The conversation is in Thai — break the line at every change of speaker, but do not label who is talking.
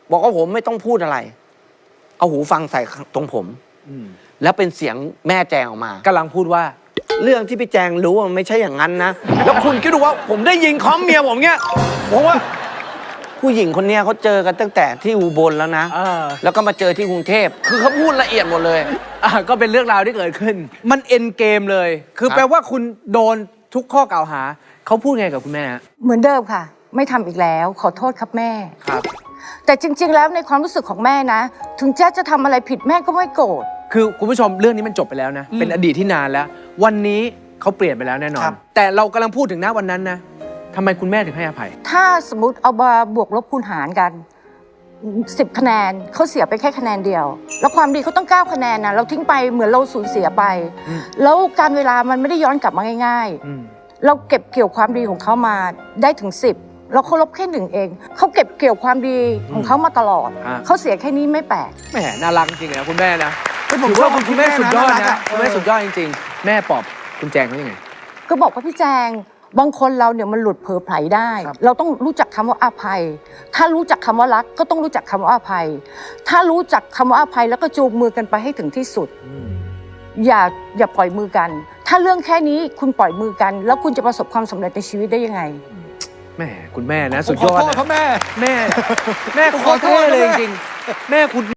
บอกว่าผมไม่ต้องพูดอะไร เอาหูฟังใส่ตรงผมแล้วเป็นเสียงแม่แจงออกมาก
ำลังพูดว่า
เรื่องที่พี่แจงรู้ว่ามันไม่ใช่อย่างนั้นนะแล้วคุณคิดดูว่าผมได้ยิงคอมเมียผมเงี้ยผมว่า ผู้หญิงคนเนี้ยเขาเจอกันตั้งแต่ที่อุบลแล้วนะแล้วก็มาเจอที่กรุงเทพคือเขาพูดละเอียดหมดเลย
ก็เป็นเรื่องราวที่เกิดขึ้นมันเอ็นเกมเลย คือแปลว่าคุณโดนทุกข้อกล่าวหาเขาพูดไงกับคุณแม่
เหมือนเดิมค่ะ ไม่ทำอีกแล้วขอโทษครับแม่
ครับ
แต่จริง ๆ แล้วในความรู้สึกของแม่นะ ถึงแจ๊จะทำอะไรผิดแม่ก็ไม่โกรธ
คือคุณผู้ชมเรื่องนี้มันจบไปแล้วนะเป็นอดีตที่นานแล้ว วันนี้เขาเปลี่ยนไปแล้วแน่นอน แต่เรากำลังพูดถึงณวันนั้นนะทำไมคุณแม่ถึงให้อภัย
ถ้าสมมติเอามาบวกลบคูณหารกัน10 คะแนนเขาเสียไปแค่คะแนนเดียว แล้วความดีเขาต้อง9 คะแนนนะเราทิ้งไปเหมือนเราสูญเสียไป แล้วการเวลามันไม่ได้ย้อนกลับมาง่ายๆเราเก็บเกี่ยวความดีของเขามาได้ถึง10เราเขาลบแค่1เองเขาเก็บเกี่ยวความดีของเขามาตลอดเขาเสียแค่นี้ไม่แปลก
แหมน่ารักจริงๆนะคุณแม่นะ
ผม
ถือ
ชอ
ว่า
บ
คุณแม่สุดยอดนะ
คุ
คุณ
ณ
แม่
แม่
สุดยอดจริงๆ แม่ปลอบคุณแจงเขายังไง
ก็บอกว่าพี่แจงบางคนเราเนี่ยมันหลุดเผลอไผลได้ เราต้องรู้จักคำว่าอภัย ถ้ารู้จักคำว่ารักก็ต้องรู้จักคำว่าอภัย ถ้ารู้จักคำว่าอภัยแล้วก็จูงมือกันไปให้ถึงที่สุดอย่าปล่อยมือกัน ถ้าเรื่องแค่นี้คุณปล่อยมือกัน แล้วคุณจะประสบความสำเร็จในชีวิตได้ยังไง
แม่คุณแม่นะสุด
ข
ย
อ
อด
โทษ
นะครับ
แม่
แม่โคตรเท่เลยจริงๆแม่คุณ